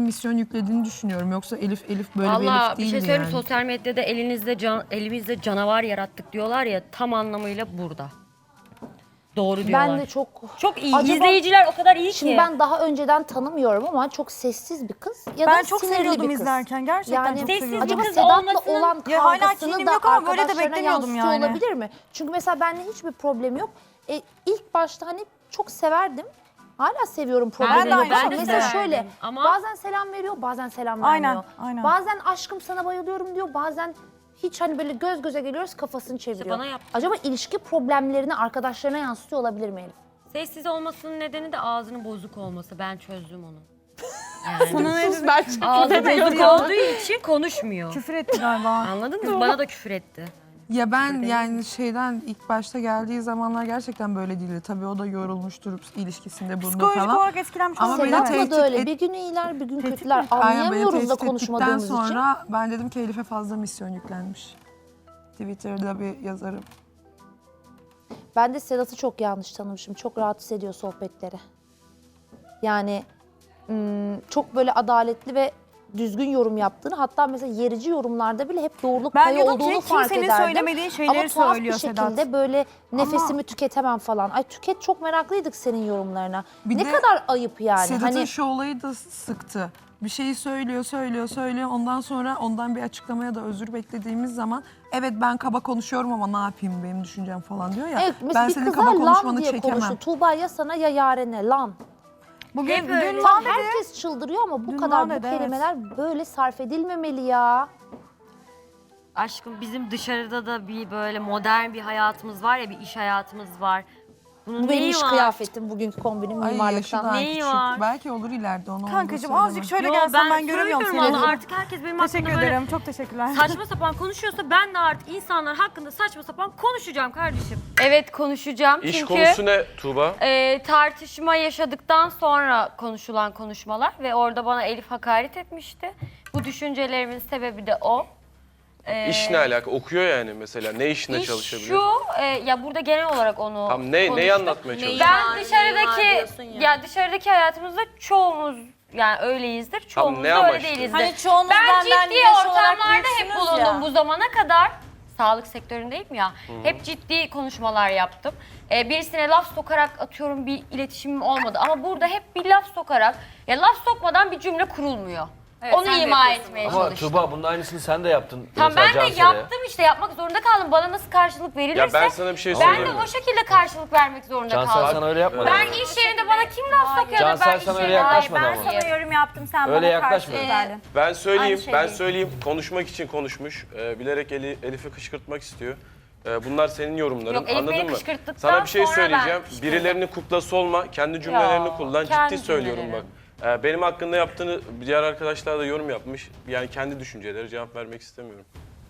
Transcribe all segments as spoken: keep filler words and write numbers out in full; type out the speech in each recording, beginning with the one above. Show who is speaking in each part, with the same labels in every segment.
Speaker 1: misyon yüklediğini düşünüyorum. Yoksa Elif Elif böyle bir
Speaker 2: Valla
Speaker 1: Elif
Speaker 2: bir
Speaker 1: değildi
Speaker 2: şey söyleyeyim
Speaker 1: yani.
Speaker 2: sosyal medyada elinizde can, elimizde canavar yarattık diyorlar ya tam anlamıyla burada. Doğru diyorlar.
Speaker 3: Ben de çok...
Speaker 2: Çok iyi.
Speaker 3: Acaba-
Speaker 2: İzleyiciler o kadar iyi
Speaker 3: Şimdi
Speaker 2: ki.
Speaker 3: ben daha önceden tanımıyorum ama çok sessiz bir kız ya
Speaker 4: Ben
Speaker 3: da
Speaker 4: çok
Speaker 3: sinirli
Speaker 4: seviyordum
Speaker 3: bir kız.
Speaker 4: izlerken. Gerçekten
Speaker 3: yani,
Speaker 4: çok
Speaker 2: Sessiz
Speaker 4: seviyordum.
Speaker 3: Acaba
Speaker 2: bir kız
Speaker 3: Sedat'la
Speaker 2: olmasının-
Speaker 3: olan
Speaker 4: Ya hala
Speaker 3: kavgasını
Speaker 4: kinim
Speaker 3: da
Speaker 4: yok ama böyle de
Speaker 3: arkadaşlarına
Speaker 4: beklemiyordum
Speaker 3: yansıtıyor
Speaker 4: yani.
Speaker 3: olabilir mi? Çünkü mesela benimle hiçbir problem yok. E, ilk başta hani çok severdim. Hala seviyorum problemi
Speaker 4: de
Speaker 3: yok
Speaker 4: aynı
Speaker 3: ama
Speaker 4: şekilde.
Speaker 3: mesela
Speaker 2: severdim.
Speaker 3: şöyle
Speaker 2: Ama-
Speaker 3: bazen selam veriyor bazen selam
Speaker 4: Aynen,
Speaker 3: vermiyor.
Speaker 4: aynen.
Speaker 3: Bazen aşkım sana bayılıyorum diyor bazen hiç hani böyle göz göze geliyoruz kafasını çeviriyor.
Speaker 2: bana yaptı.
Speaker 3: Acaba ilişki problemlerini arkadaşlarına yansıtıyor olabilir mi Elif?
Speaker 2: Sessiz olmasının nedeni de ağzının bozuk olması. Ben çözdüm onu.
Speaker 4: Sana ne dedim?
Speaker 2: Ağzı bozuk olduğu için konuşmuyor.
Speaker 4: Küfür etti galiba.
Speaker 2: Anladınız mı? Bana da küfür etti.
Speaker 1: Ya ben yani şeyden ilk başta geldiği zamanlar gerçekten böyle değildi. Tabii o da yorulmuştur ilişkisinde bulundu
Speaker 4: Psikolojik
Speaker 1: falan.
Speaker 4: olarak etkilenmiş
Speaker 1: Ama
Speaker 4: olabilir.
Speaker 1: beni
Speaker 3: Sedat'la
Speaker 1: tehdit
Speaker 3: da öyle.
Speaker 1: et-
Speaker 3: Bir gün iyiler bir gün
Speaker 4: Tehdit
Speaker 3: kötüler.
Speaker 4: mi?
Speaker 1: Aynen, beni
Speaker 3: Anlayamıyoruz da
Speaker 1: tehdit ettikten
Speaker 3: konuşmadığımız için.
Speaker 1: sonra ben dedim ki Elif'e fazla misyon yüklenmiş. Twitter'da bir yazarım.
Speaker 3: Ben de Sedat'ı çok yanlış tanımışım. Çok rahatsız ediyor sohbetleri. Yani ım, çok böyle adaletli ve düzgün yorum yaptığını, hatta mesela yerici yorumlarda bile hep doğruluk
Speaker 4: Ben
Speaker 3: payı
Speaker 4: diyordum ki
Speaker 3: olduğunu fark
Speaker 4: kimsenin
Speaker 3: ederdim.
Speaker 4: söylemediği şeyleri
Speaker 3: Ama tuhaf
Speaker 4: söylüyor
Speaker 3: bir
Speaker 4: Sedat.
Speaker 3: şekilde böyle nefesimi tüketemem falan. Ay tüket, çok meraklıydık senin yorumlarına.
Speaker 1: Bir
Speaker 3: ne
Speaker 1: de
Speaker 3: kadar ayıp yani.
Speaker 1: Sedat'ın
Speaker 3: Hani
Speaker 1: şu olayı da sıktı. Bir şeyi söylüyor, söylüyor, söylüyor. Ondan sonra ondan bir açıklamaya da özür beklediğimiz zaman evet ben kaba konuşuyorum ama ne yapayım benim düşüncem falan diyor ya.
Speaker 3: evet, mesela
Speaker 1: Ben
Speaker 3: bir
Speaker 1: senin
Speaker 3: kızlar
Speaker 1: kaba
Speaker 3: lan
Speaker 1: konuşmanı
Speaker 3: diye
Speaker 1: çekemem.
Speaker 3: konuşuyor. Tuğba ya sana ya Yaren'e lan.
Speaker 4: Bugün
Speaker 2: Hep öyle.
Speaker 4: dün
Speaker 3: Tam
Speaker 4: dedi.
Speaker 3: herkes çıldırıyor ama bu
Speaker 4: Dün
Speaker 3: kadar bu
Speaker 4: lan dedi, evet.
Speaker 3: kelimeler böyle sarf edilmemeli ya.
Speaker 2: Aşkım bizim dışarıda da bir böyle modern bir hayatımız var ya, bir iş hayatımız var. Bunun
Speaker 3: Bu benim
Speaker 2: neyi
Speaker 3: iş
Speaker 2: var?
Speaker 3: kıyafetim bugünkü kombinim
Speaker 1: Ay yaşı
Speaker 3: mimarlıktan.
Speaker 1: daha
Speaker 2: Neyi
Speaker 1: küçük.
Speaker 2: var?
Speaker 1: Belki olur ileride onu.
Speaker 4: Kankacığım
Speaker 1: onu da
Speaker 4: azıcık şöyle
Speaker 2: Yo,
Speaker 4: gelsen ben, göremiyorum
Speaker 2: söylüyorum
Speaker 4: seni.
Speaker 2: valla, artık herkes benim
Speaker 4: Teşekkür
Speaker 2: hakkımda böyle
Speaker 4: ederim. Çok teşekkürler.
Speaker 2: saçma sapan konuşuyorsa ben de artık insanlar hakkında saçma sapan konuşacağım kardeşim. Evet konuşacağım
Speaker 5: İş
Speaker 2: çünkü
Speaker 5: konusu ne Tuğba?
Speaker 2: e, tartışma yaşadıktan sonra konuşulan konuşmalar ve orada bana Elif hakaret etmişti. Bu düşüncelerimin sebebi de o. E,
Speaker 5: İş ne alaka? Okuyor yani mesela. Ne işine
Speaker 2: iş
Speaker 5: çalışabilir?
Speaker 2: şu, e, ya burada genel olarak onu
Speaker 5: Tam ne, neyi
Speaker 2: konuştuk.
Speaker 5: anlatmaya çalışıyor?
Speaker 2: Ben dışarıdaki ya. dışarıdaki hayatımızda çoğumuz yani öyleyizdir. Çoğumuz
Speaker 5: ne
Speaker 2: da öyle
Speaker 5: amaçlı?
Speaker 2: değilizdir.
Speaker 6: Hani çoğunuz
Speaker 2: ben
Speaker 6: benden
Speaker 2: ciddi
Speaker 6: yaş olarak
Speaker 2: ortamlarda hep
Speaker 6: büyüksünüz
Speaker 2: bulundum
Speaker 6: ya.
Speaker 2: bu zamana kadar. Sağlık sektöründeyim ya. Hep ciddi konuşmalar yaptım. Ee, birisine laf sokarak atıyorum bir iletişimim olmadı. Ama burada hep bir laf sokarak, ya laf sokmadan bir cümle kurulmuyor. Onu
Speaker 6: sen de
Speaker 2: ima
Speaker 6: yapıyorsun
Speaker 2: etmeye
Speaker 7: Ama
Speaker 2: çalıştım.
Speaker 7: Tuğba bunun aynısını sen de yaptın.
Speaker 2: Tamam
Speaker 7: Mesela
Speaker 2: ben de
Speaker 7: Cansel'e.
Speaker 2: yaptım işte, yapmak zorunda kaldım. Bana nasıl karşılık verilirse
Speaker 5: Ya ben sana bir şey
Speaker 2: ben
Speaker 5: söyleyeyim
Speaker 2: de
Speaker 5: mi?
Speaker 2: o şekilde karşılık vermek zorunda
Speaker 7: Cansel
Speaker 2: kaldım.
Speaker 7: sana öyle yapmadı.
Speaker 2: Ben iş yerinde bana kim laf sokuyor da
Speaker 7: Cansel
Speaker 2: ben iş
Speaker 7: sana öyle
Speaker 2: yerinde
Speaker 7: yaklaşmadı
Speaker 2: ben
Speaker 7: ama.
Speaker 2: sana
Speaker 6: yorum yaptım sen
Speaker 7: Öyle
Speaker 6: bana
Speaker 7: yaklaşma.
Speaker 6: karşılık verdin.
Speaker 5: Ben söyleyeyim,
Speaker 6: Aynı şey
Speaker 5: ben
Speaker 6: değil.
Speaker 5: söyleyeyim. Konuşmak için konuşmuş. Ee, bilerek Eli, Elif'i kışkırtmak istiyor. Ee, bunlar senin yorumların.
Speaker 2: Yok, Elif
Speaker 5: Anladın
Speaker 2: beni
Speaker 5: mı?
Speaker 2: kışkırttıktan
Speaker 5: Sana bir şey
Speaker 2: sonra ben
Speaker 5: söyleyeceğim.
Speaker 2: kışkırdım.
Speaker 5: Birilerinin kuklası olma. Kendi cümlelerini
Speaker 2: Ya,
Speaker 5: kullan.
Speaker 2: kendi
Speaker 5: Ciddi söylüyorum
Speaker 2: cümlelerim.
Speaker 5: bak. Ee, benim hakkında yaptığını diğer arkadaşlar da yorum yapmış. Yani kendi düşünceleri, cevap vermek istemiyorum.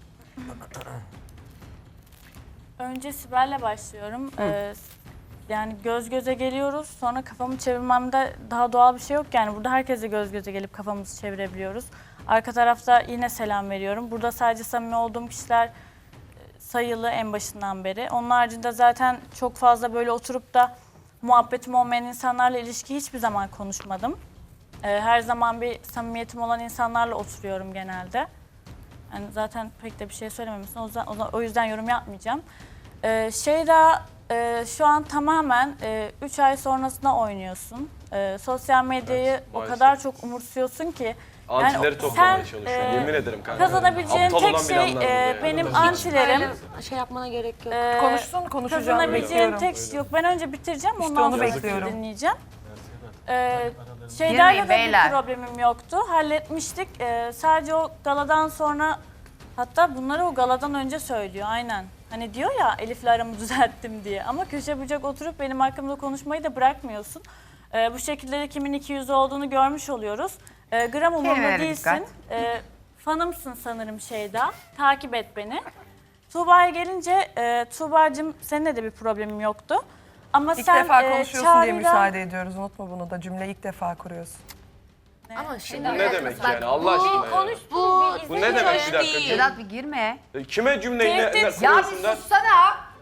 Speaker 6: Önce Sibel'le başlıyorum. Ee, yani göz göze geliyoruz. Sonra kafamı çevirmemde daha doğal bir şey yok. Yani burada herkese göz göze gelip kafamızı çevirebiliyoruz. Arka tarafta yine selam veriyorum. Burada sadece samimi olduğum kişiler e, sayılı en başından beri. Onun haricinde zaten çok fazla böyle oturup da muhabbetim olmayan insanlarla ilişki hiçbir zaman konuşmadım. Ee, her zaman bir samimiyetim olan insanlarla oturuyorum genelde. Yani zaten pek de bir şey söylememişsin. O yüzden, o yüzden- o yüzden yorum yapmayacağım. Ee, Şeyda e, şu an tamamen üç ay sonrasına oynuyorsun. Ee, sosyal medyayı
Speaker 5: Evet,
Speaker 6: o
Speaker 5: maalesef.
Speaker 6: kadar çok umursuyorsun ki.
Speaker 5: Antileri
Speaker 6: sen,
Speaker 5: toplamaya
Speaker 6: e,
Speaker 5: çalışıyorum. Yemin ederim kanka.
Speaker 6: Kazanabileceğin
Speaker 5: Aptal
Speaker 6: tek
Speaker 5: olan bile
Speaker 6: şey
Speaker 5: anlar bunu
Speaker 6: e,
Speaker 5: yani.
Speaker 6: benim antilerim.
Speaker 2: şey yapmana gerek yok.
Speaker 6: e,
Speaker 4: Konuşsun, konuşacağım.
Speaker 6: Kazanabileceğin
Speaker 4: Bekliyorum.
Speaker 6: tek şey yok. Ben önce bitireceğim, ondan
Speaker 4: onu
Speaker 6: sonra
Speaker 4: bekliyorum.
Speaker 6: dinleyeceğim. Ee, Şeyda'yla da
Speaker 8: beyler.
Speaker 6: bir problemim yoktu. Halletmiştik. Ee, sadece o galadan sonra, hatta bunları o galadan önce söylüyor aynen. Hani diyor ya Elif'le aramı düzelttim diye. Ama köşe bucak oturup benim hakkımda konuşmayı da bırakmıyorsun. Ee, bu şekilde de kimin iki yüzlü olduğunu görmüş oluyoruz. Ee, gram umurumda
Speaker 8: Kelimelere
Speaker 6: değilsin.
Speaker 8: dikkat.
Speaker 6: Ee, fanımsın sanırım Şeyda. Takip et beni. Tuğba'ya gelince, e, Tuğba'cığım seninle de bir problemim yoktu. Ama
Speaker 4: İlk
Speaker 6: sen
Speaker 4: defa
Speaker 6: e,
Speaker 4: konuşuyorsun diye
Speaker 6: Çağrı'yla-
Speaker 4: müsaade ediyoruz. Unutma bunu da. Cümle ilk defa kuruyorsun.
Speaker 2: Ama şimdi
Speaker 5: Bu ne demek yani Allah aşkına ya?
Speaker 2: konuş bu,
Speaker 5: Bu ne demek bir dakika?
Speaker 8: Sedat bir girme.
Speaker 5: E, Kime cümleyi ne, ne
Speaker 6: Tehdit-
Speaker 8: Ya bir
Speaker 5: kuruyorsun der?
Speaker 8: sussana.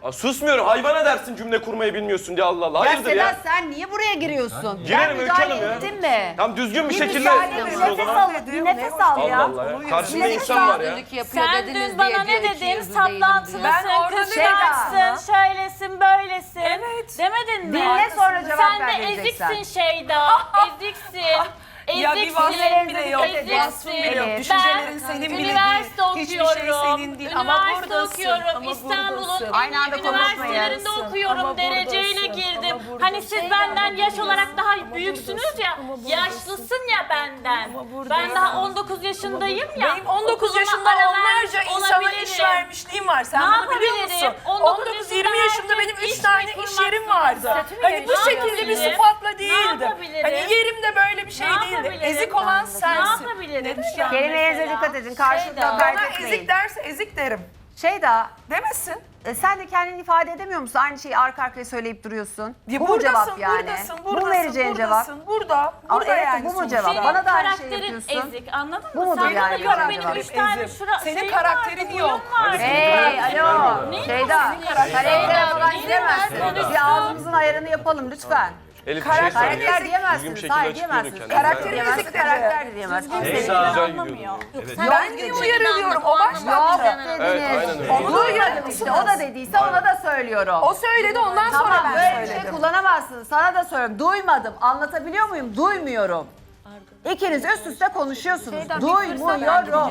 Speaker 5: Aa, susmuyorum. Hayvana dersin cümle kurmayı bilmiyorsun diye Allah Allah.
Speaker 7: Ya
Speaker 5: Hayırdır
Speaker 7: Sedat
Speaker 5: ya?
Speaker 7: sen niye buraya giriyorsun?
Speaker 5: Girerim
Speaker 7: Ben
Speaker 5: Öykü
Speaker 7: müdahale
Speaker 5: Hanım ya.
Speaker 7: ettim mi?
Speaker 5: Tam düzgün bir, şekilde
Speaker 7: müsaade et,
Speaker 5: konuşun o
Speaker 7: nefes
Speaker 5: zaman.
Speaker 7: al, bir nefes al
Speaker 5: Allah
Speaker 7: ya.
Speaker 5: Allah ya. Karşımda
Speaker 7: Nefes
Speaker 5: insan var ya.
Speaker 6: Sen dün bana ne dedin? Saplantılısın,
Speaker 1: Ben orada
Speaker 6: kıskançsın, şöylesin, böylesin.
Speaker 1: Evet.
Speaker 6: Demedin mi?
Speaker 7: Dinle sonra cevap
Speaker 6: Sen
Speaker 7: ver
Speaker 6: de
Speaker 7: vereceksen.
Speaker 6: eziksin Şeyda, eziksin.
Speaker 1: Ya bir
Speaker 6: Eziksin,
Speaker 1: vasfın bile yok.
Speaker 6: eziksin.
Speaker 1: Vasfın bile yok.
Speaker 7: Evet.
Speaker 1: Düşüncelerin senin bile değil.
Speaker 6: Üniversite
Speaker 1: Hiçbir
Speaker 6: okuyorum.
Speaker 1: şey senin değil. Ama
Speaker 6: Üniversite
Speaker 1: buradasın.
Speaker 6: okuyorum.
Speaker 1: Ama
Speaker 6: İstanbul'un
Speaker 1: buradasın.
Speaker 6: en
Speaker 7: Aynı
Speaker 6: iyi
Speaker 7: anda
Speaker 6: üniversitelerinde
Speaker 1: konuşmayın.
Speaker 6: okuyorum.
Speaker 1: Ama
Speaker 6: Dereceyle
Speaker 1: buradasın.
Speaker 6: girdim.
Speaker 1: Ama
Speaker 6: Hani
Speaker 1: buradasın.
Speaker 6: siz benden yaş olarak daha büyüksünüz ya. Yaşlısın ya benden. Ben daha on dokuz yaşındayım ya.
Speaker 1: Benim on dokuz
Speaker 6: Okuluma
Speaker 1: yaşında
Speaker 6: ara
Speaker 1: onlarca
Speaker 6: vermiş
Speaker 1: insana
Speaker 6: olabilirim.
Speaker 1: iş vermişliğim var. Sen
Speaker 6: Ne
Speaker 1: bunu biliyor
Speaker 6: yapabilirim?
Speaker 1: musun?
Speaker 6: on
Speaker 1: on
Speaker 6: dokuz
Speaker 1: dokuz yirmi
Speaker 6: yaşında
Speaker 1: yaşında benim
Speaker 6: herkes
Speaker 1: üç
Speaker 6: iş
Speaker 1: tane
Speaker 6: kurmak
Speaker 1: iş yerim
Speaker 6: zorunda.
Speaker 1: vardı.
Speaker 6: Statü
Speaker 1: Hani
Speaker 6: verir.
Speaker 1: bu
Speaker 6: Ne
Speaker 1: şekilde bir
Speaker 6: yapabilirim?
Speaker 1: sıfatla
Speaker 6: Ne
Speaker 1: değildim.
Speaker 6: yapabilirim?
Speaker 1: Hani yerim de böyle bir şey
Speaker 6: Ne
Speaker 1: değildi.
Speaker 6: yapabilirim?
Speaker 1: Ezik olan
Speaker 6: Ne
Speaker 1: sensin.
Speaker 6: yapabilirim?
Speaker 7: Kelimelerinize
Speaker 6: Mesela.
Speaker 7: dikkat edin. Karşılıklı
Speaker 6: Şeyda.
Speaker 7: hakaret
Speaker 1: Bana
Speaker 7: etmeyin.
Speaker 1: ezik derse ezik derim.
Speaker 7: Şeyda,
Speaker 1: Demesin.
Speaker 7: e, sen de kendini ifade edemiyor musun? Aynı şeyi arka arkaya söyleyip duruyorsun.
Speaker 1: Ya
Speaker 7: bu mu
Speaker 1: buradasın,
Speaker 7: cevap yani?
Speaker 1: buradasın,
Speaker 7: bu mu
Speaker 1: buradasın,
Speaker 7: vereceğin cevap?
Speaker 1: buradasın, Burada,
Speaker 7: Ama
Speaker 1: burada
Speaker 7: evet,
Speaker 1: yani
Speaker 7: bu mu
Speaker 1: sonuçta.
Speaker 7: cevap?
Speaker 6: Senin
Speaker 7: Bana da aynı
Speaker 6: karakterin
Speaker 7: şey yapıyorsun.
Speaker 6: ezik, anladın
Speaker 7: Bu
Speaker 6: mı?
Speaker 7: mudur
Speaker 6: Sen
Speaker 7: yani
Speaker 6: bana yok
Speaker 7: cevap?
Speaker 6: benim üç tane
Speaker 1: Ezik.
Speaker 6: şura
Speaker 1: Senin
Speaker 6: şeyim
Speaker 1: karakterin
Speaker 6: vardı,
Speaker 1: yok.
Speaker 6: huyum vardı.
Speaker 7: Hey, alo.
Speaker 6: Ne
Speaker 7: Şeyda, karaktere falan
Speaker 6: Neyin
Speaker 7: gidemezsin.
Speaker 6: var?
Speaker 7: Bir ağzımızın ayarını yapalım lütfen.
Speaker 5: Elif bir şey
Speaker 1: Karakter
Speaker 5: söyle.
Speaker 7: Karakter
Speaker 5: Düzgün bir
Speaker 7: diyemezsiniz.
Speaker 5: şekilde
Speaker 7: Hayır
Speaker 5: açıklıyordun
Speaker 7: diyemezsiniz.
Speaker 5: kendini.
Speaker 7: Karakter
Speaker 1: Ben-
Speaker 7: diyemezsiniz, karakter de diyemezsiniz.
Speaker 6: Düzgün
Speaker 5: Neyse,
Speaker 6: seni
Speaker 5: güzel
Speaker 6: anlamıyor.
Speaker 5: gidiyordun.
Speaker 6: Sen
Speaker 1: Ben
Speaker 6: düzgün
Speaker 1: niye
Speaker 6: bir
Speaker 1: uyarılıyorum? O
Speaker 6: anlamı-
Speaker 1: başlattı.
Speaker 7: Yok
Speaker 6: Anlamı-
Speaker 5: Evet, aynen
Speaker 7: dediniz.
Speaker 5: öyle.
Speaker 7: Onu duymadım işte. O da dediyse ona da söylüyorum.
Speaker 1: O söyledi ondan sonra
Speaker 7: Tamam
Speaker 1: ben
Speaker 7: böyle bir şey
Speaker 1: söyledim.
Speaker 7: kullanamazsınız. Sana da söylüyorum. Duymadım. Anlatabiliyor muyum? Duymuyorum. İkiniz üst üste konuşuyorsunuz. Duymuyorum.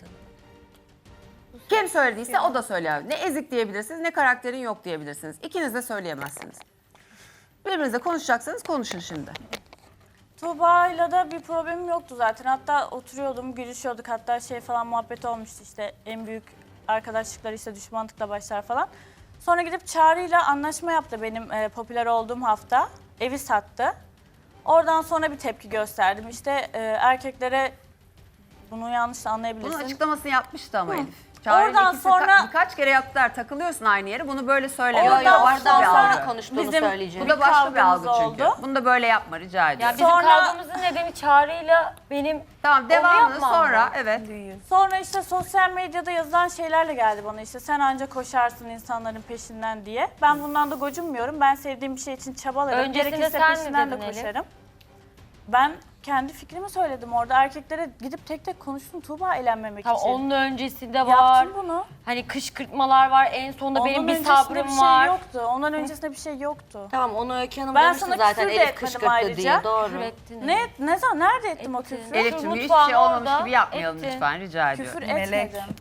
Speaker 7: Kim söylediyse o da söyler. Ne ezik diyebilirsiniz ne karakterin yok diyebilirsiniz. İkiniz de söyleyemezsiniz. Birbirinizle konuşacaksanız konuşun şimdi.
Speaker 6: Tuğba'yla da bir problemim yoktu zaten. Hatta oturuyordum, gülüşüyorduk. Hatta şey falan muhabbet olmuştu işte en büyük arkadaşlıklar işte düşmanlıkla başlar falan. Sonra gidip Çağrı'yla anlaşma yaptı benim e, popüler olduğum hafta. Evi sattı. Oradan sonra bir tepki gösterdim. İşte e, erkeklere bunu yanlış
Speaker 7: Bunun
Speaker 6: anlayabilirsin.
Speaker 7: açıklamasını yapmıştı ama Elif. Çağrı'yla
Speaker 6: Oradan
Speaker 7: ikisi
Speaker 6: sonra-
Speaker 7: ka- birkaç kere yaptılar. Takılıyorsun aynı yere. Bunu böyle söyleme.
Speaker 6: Oradan
Speaker 7: Bu da başka
Speaker 6: sonra-
Speaker 7: bir algı.
Speaker 2: konuştuğunu
Speaker 6: Bizim-
Speaker 2: söyleyeceğim.
Speaker 7: Bu da başka bir
Speaker 6: kavgamız
Speaker 7: algı çünkü.
Speaker 6: oldu.
Speaker 7: Bunu da böyle yapma rica
Speaker 2: Ya
Speaker 7: ediyorum.
Speaker 2: bizim
Speaker 6: Sonra-
Speaker 2: kavgamızın nedeni Çağrı'yla benim
Speaker 7: Tamam devamını
Speaker 2: yapmam
Speaker 7: sonra
Speaker 2: mı?
Speaker 7: evet.
Speaker 6: Sonra işte sosyal medyada yazılan şeylerle geldi bana işte sen anca koşarsın insanların peşinden diye. Ben bundan da gocunmuyorum. Ben sevdiğim bir şey için çabalarım.
Speaker 2: Öncesinde
Speaker 6: Gerekirse
Speaker 2: sen ne
Speaker 6: peşinden de
Speaker 2: dedin Elif?
Speaker 6: koşarım. Ben kendi fikrimi söyledim orada. Erkeklere gidip tek tek konuştum Tuğba eğlenmemek
Speaker 2: Tam
Speaker 6: için.
Speaker 2: onun öncesinde var.
Speaker 6: Yaptım bunu.
Speaker 2: Hani kışkırtmalar var. En sonunda
Speaker 6: Ondan
Speaker 2: benim bir
Speaker 6: öncesinde
Speaker 2: sabrım
Speaker 6: bir şey
Speaker 2: var.
Speaker 6: yoktu. Ondan öncesinde bir şey yoktu.
Speaker 8: Tamam onu Öykü Hanım
Speaker 6: Ben
Speaker 8: demişti
Speaker 6: sana
Speaker 8: zaten
Speaker 6: küfür de
Speaker 8: Elif
Speaker 6: etmedim
Speaker 8: kışkırttı
Speaker 6: ayrıca.
Speaker 8: diye doğru.
Speaker 2: Küfür ettin.
Speaker 6: Ne ne zaman nerede ettim o
Speaker 2: Ettin.
Speaker 6: küfrü?
Speaker 7: Elif'ciğim hiçbir
Speaker 2: mutfağın
Speaker 7: şey olmamış
Speaker 2: orada
Speaker 7: gibi yapmayalım
Speaker 2: ettin.
Speaker 7: lütfen rica ediyorum.
Speaker 6: Küfür
Speaker 1: Melek.
Speaker 6: etmedim.